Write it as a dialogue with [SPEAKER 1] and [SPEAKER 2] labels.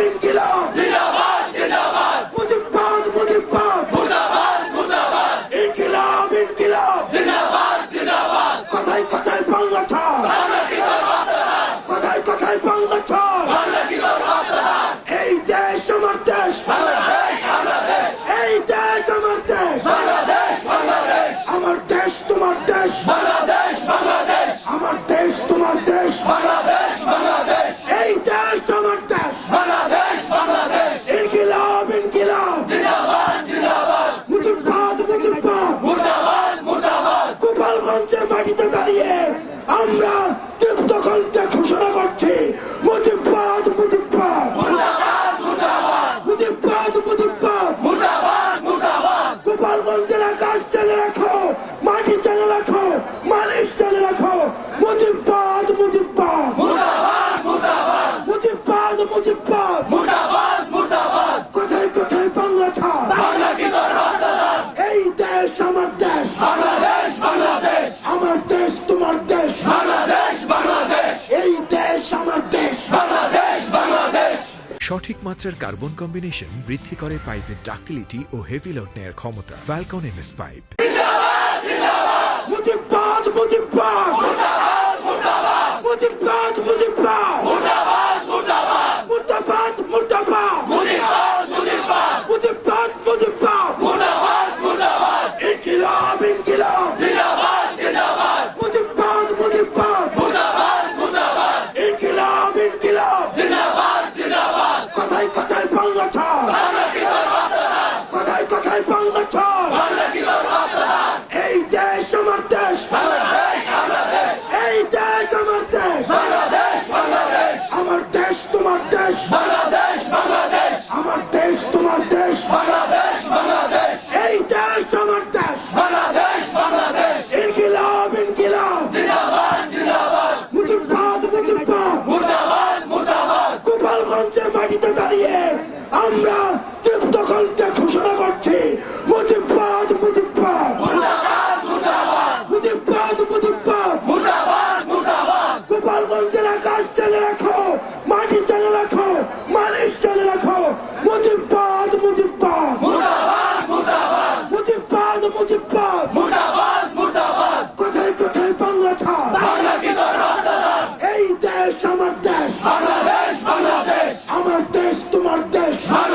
[SPEAKER 1] ইনকিলাব
[SPEAKER 2] জিন্দাবাদ জিন্দাবাদ
[SPEAKER 1] মুজিববাদ মুজিববাদ
[SPEAKER 2] মুর্দাবাদ মুর্দাবাদ
[SPEAKER 1] ইনকিলাব ইনকিলাব
[SPEAKER 2] জিন্দাবাদ জিন্দাবাদ
[SPEAKER 1] কথায় কথায় বাংলা ছাড়
[SPEAKER 2] বাংলা কি তোর বাপদাদা
[SPEAKER 1] কথায় কথায় বাংলা ছাড়
[SPEAKER 2] বাংলা কি তোর বাপদাদা
[SPEAKER 1] এই দেশ আমার দেশ
[SPEAKER 2] বাংলাদেশ বাংলাদেশ
[SPEAKER 1] এই দেশ আমার দেশ
[SPEAKER 2] বাংলাদেশ বাংলাদেশ
[SPEAKER 1] আমার দেশ তোমার দেশ
[SPEAKER 2] বাংলাদেশ বাংলাদেশ
[SPEAKER 1] আমার দেশ তোমার দেশ
[SPEAKER 2] বাংলাদেশ বাংলাদেশ
[SPEAKER 1] এই দেশ আমার দেশ
[SPEAKER 2] বাংলাদেশ বাংলাদেশ
[SPEAKER 1] ইনকিলাব ইনকিলাব
[SPEAKER 2] জিন্দাবাদ জিন্দাবাদ
[SPEAKER 1] মুজিববাদ মুজিববাদ
[SPEAKER 2] মুর্দাবাদ মুর্দাবাদ
[SPEAKER 1] গোপালগঞ্জের মাটিতে দাঁড়িয়ে আমরা তৃপ্ত কণ্ঠে ঘোষণা করছি মুজিববাদ মুজিববাদ
[SPEAKER 2] মুর্দাবাদ মুর্দাবাদ
[SPEAKER 1] মুজিববাদ মুজিববাদ
[SPEAKER 2] মুর্দাবাদ মুর্দাবাদ
[SPEAKER 1] গোপালগঞ্জের আকাশ চালে রাখো মাটি চালে রাখো মালিশ চালে রাখো মুজিববাদ মুজিববাদ
[SPEAKER 2] মুর্দাবাদ মুর্দাবাদ
[SPEAKER 1] মুজিববাদ মুজিববাদ
[SPEAKER 2] মুর্দাবাদ মুর্দাবাদ
[SPEAKER 1] কোথায় কোথায় বাংলা ছাড়
[SPEAKER 2] বাংলা কি তোর বাপদাদা
[SPEAKER 1] এই দেশ আমার দেশ
[SPEAKER 2] বাংলাদেশ বাংলাদেশ
[SPEAKER 1] আমার দেশ তোমার দেশ
[SPEAKER 2] বাংলাদেশ বাংলাদেশ
[SPEAKER 1] এই দেশ আমার দেশ
[SPEAKER 2] বাংলাদেশ বাংলাদেশ
[SPEAKER 3] সঠিক মাত্রার কার্বন কম্বিনেশন বৃদ্ধি করে পাইপের ডাক্টিলিটি ও হেভি লোড নেয়ার ক্ষমতা। Falcon MS pipe.
[SPEAKER 1] মুজিববাদ মুজিববাদ
[SPEAKER 2] মুর্দাবাদ মুর্দাবাদ
[SPEAKER 1] মুজিববাদ মুজিববাদ
[SPEAKER 2] মুর্দাবাদ মুর্দাবাদ
[SPEAKER 1] মুর্দাবাদ মুর্দাবাদ
[SPEAKER 2] মুজিববাদ মুজিববাদ
[SPEAKER 1] মুজিববাদ মুজিববাদ
[SPEAKER 2] মুর্দাবাদ মুর্দাবাদ
[SPEAKER 1] ইনকিলাব ইনকিলাব
[SPEAKER 2] জিন্দাবাদ জিন্দাবাদ
[SPEAKER 1] মুজিববাদ মুজিববাদ
[SPEAKER 2] মুর্দাবাদ মুর্দাবাদ
[SPEAKER 1] ইনকিলাব ইনকিলাব
[SPEAKER 2] জিন্দাবাদ জিন্দাবাদ
[SPEAKER 1] কথায় কথায় বাংলা ছাড়
[SPEAKER 2] বাংলা কি তোর বাপদাদা
[SPEAKER 1] কথায় কথায় বাংলা ছাড়
[SPEAKER 2] বাংলা কি তোর বাপদাদা
[SPEAKER 1] এই দেশ আমার দেশ
[SPEAKER 2] বাংলাদেশ বাংলাদেশ
[SPEAKER 1] এই দেশ আমার দেশ
[SPEAKER 2] বাংলাদেশ বাংলাদেশ
[SPEAKER 1] আমার দেশ তোমার দেশ
[SPEAKER 2] বাংলাদেশ বাংলাদেশ
[SPEAKER 1] আমার দেশ তোমার দেশ
[SPEAKER 2] বাংলাদেশ বাংলাদেশ
[SPEAKER 1] এই দেশ আমার দেশ
[SPEAKER 2] বাংলাদেশ বাংলাদেশ
[SPEAKER 1] ইনকিলাব ইনকিলাব
[SPEAKER 2] জিন্দাবাদ জিন্দাবাদ
[SPEAKER 1] মুজিববাদ মুজিববাদ
[SPEAKER 2] মুর্দাবাদ মুর্দাবাদ
[SPEAKER 1] গোপালগঞ্জের মাটিতে দাঁড়িয়ে আমরা তৃপ্ত কণ্ঠে ঘোষণা করছি মুজিববাদ মুজিববাদ
[SPEAKER 2] মুর্দাবাদ মুর্দাবাদ
[SPEAKER 1] মুজিববাদ মুজিববাদ
[SPEAKER 2] মুর্দাবাদ মুর্দাবাদ
[SPEAKER 1] গোপালগঞ্জের আকাশ চালে রাখো মাটি চালে রাখো মালিশ চালে রাখো মুজিববাদ মুজিববাদ
[SPEAKER 2] মুর্দাবাদ মুর্দাবাদ
[SPEAKER 1] মুজিববাদ মুজিববাদ
[SPEAKER 2] মুর্দাবাদ মুর্দাবাদ
[SPEAKER 1] কোথায় কোথায় বাংলা ছাড়
[SPEAKER 2] বাংলা কি তোর বাপদাদা
[SPEAKER 1] এই দেশ আমার দেশ
[SPEAKER 2] বাংলাদেশ বাংলাদেশ
[SPEAKER 1] আমার দেশ তোমার দেশ
[SPEAKER 2] বাংলাদেশ